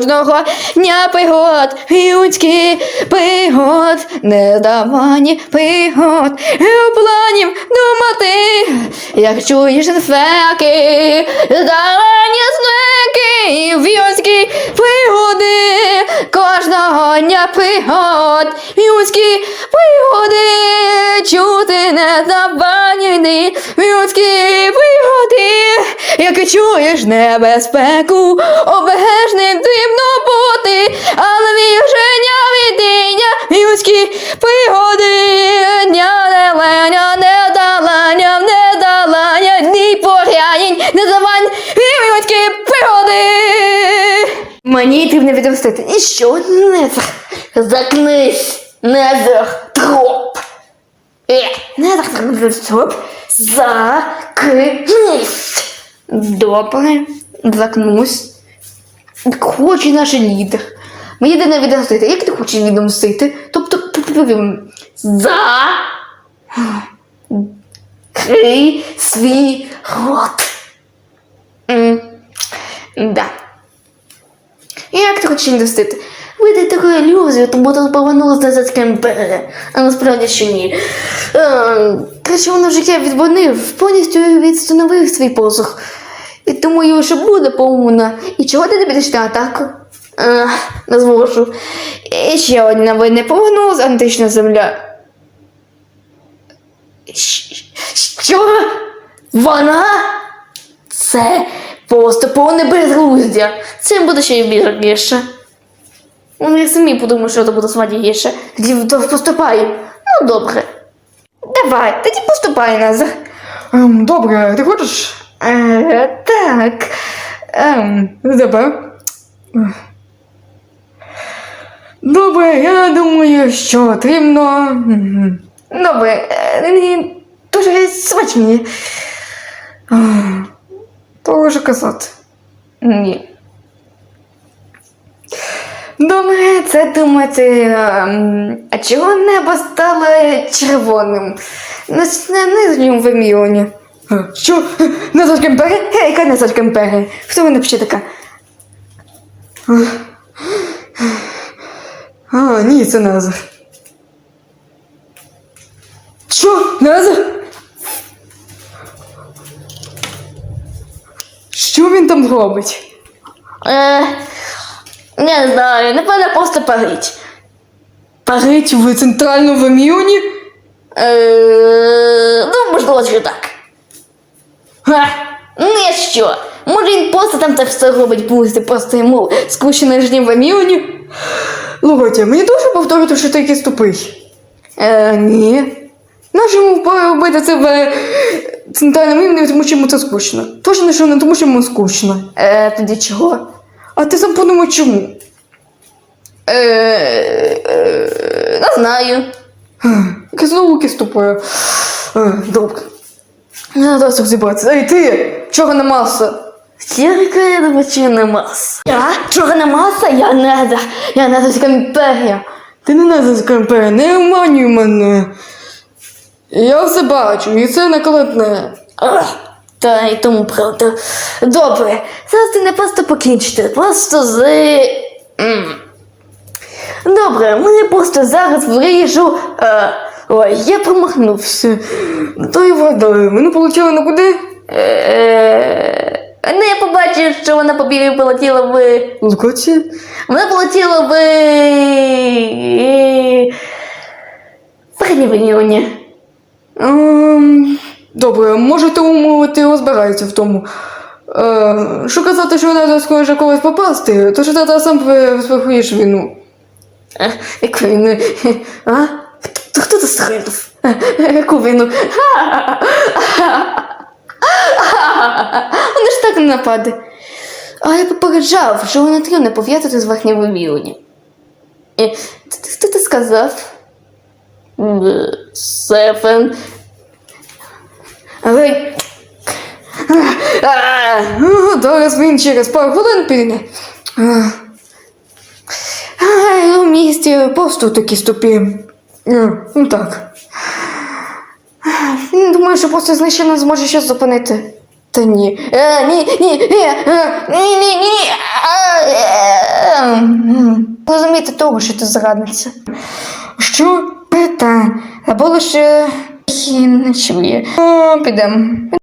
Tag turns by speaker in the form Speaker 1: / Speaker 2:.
Speaker 1: кожного дня пригод, людських пригод, нездавані пригод, планів думати, як чуєш феки, здавані знаки, людські пригоди, кожного дня пригод, людські пригоди, чути нездавані людські пригоди, як чуєш небезпеку, обережним потрібно бути, але віження видіння, людські пригоди, недолання, ні порянень, не завань, людські пригоди. Мені потрібно відомстити, і що не закнись, Незертроп. Незертроп, закнись. Добре, закнусь. Хоче наш лідер. Мені йде не відомстити. Як ти хочеш відомстити? Тобто, закрий свій рот. Да. Як ти хочеш відомстити? Видай таку ілюзію, тому тут повернулася Назарська імперія. А насправді що ні. Краще воно життя відбонив, повністю відстановив свій посух. І тому його ще буде повна. І чого ти не підеш на атаку? Не зможу. І ще одна війна повернулася антична земля. Що? Вона? Це просто повне безглуздя. Цим буде ще й більше. Ну, я самі подумаю, що це буде смачніше. Тоді поступай. Ну, добре. Давай, тоді поступай, Назар.
Speaker 2: Добре, ти хочеш?
Speaker 1: Так.
Speaker 2: Добре. Добре, я думаю, що потрібно.
Speaker 1: Добре, мені дуже смачні.
Speaker 2: То вже казати.
Speaker 1: Ні.
Speaker 2: Добре,
Speaker 1: Це думати, а чого небо стало червоним? На нижньому вимірюванні.
Speaker 2: Що? Назарська імперія?
Speaker 1: Яка Назарська імперія? Хто вона взагалі така?
Speaker 2: Ні, це Назар. Що? Назар? Що він там робить?
Speaker 1: Не знаю, напевно, просто парить.
Speaker 2: Парить в центральному вимірюванні?
Speaker 1: Ну, можливо, що так. Не що. Може він просто там це все робить, буде просто йому скучно на нижньому вимірюванні?
Speaker 2: Слухайте, мені дуже повторити, що ти якийсь тупий.
Speaker 1: Ні.
Speaker 2: Нащо йому робити це в центральному вимірюванні, тому що йому це скучно. Точно, що не тому, що йому скучно.
Speaker 1: Тоді чого?
Speaker 2: А ти сам подумай, чому?
Speaker 1: Не знаю.
Speaker 2: Яке знову якесь тупе. Добре. Я зараз розібратися. Ей, ти! Чорна маса!
Speaker 1: Яка я думаю, чи не маса? Я? Чорна маса? Я Назарська імперія.
Speaker 2: Ти не Назарська імперія, не обманюй мене. Я все бачу, і це накладне.
Speaker 1: Та й тому правда. Добре, зараз ти не просто покінчити, просто Добре, мене просто зараз вріжу. Ой, я промахнувся.
Speaker 2: То й вгадаю, мене полетіло на куди?
Speaker 1: Не я побачив, що вона полетіла в...
Speaker 2: Лукоці?
Speaker 1: Вона полетіла в... Переднє вимірювання.
Speaker 2: Добре, може тому ти розбираєшся в тому. Що казати, що вона схоже когось попасти, то що ти сам спрахуєш війну.
Speaker 1: Яку війну? Хто це стрельнув? Яку війну? Вони ж так не нападе. А я попереджав, що вона не пов'язати з верхнім вимірюванням. Хто ти сказав? Сефен. Але...
Speaker 2: Зараз він через пару хвилин піде.
Speaker 1: У місті
Speaker 2: Просто такі ступі. Ну так.
Speaker 1: Думаю, що просто знищено зможе щось зупинити. Та ні. Ні. розуміти того, що ти зрадниця.
Speaker 2: Що?
Speaker 1: Та, або лише і не чує.
Speaker 2: Підемо.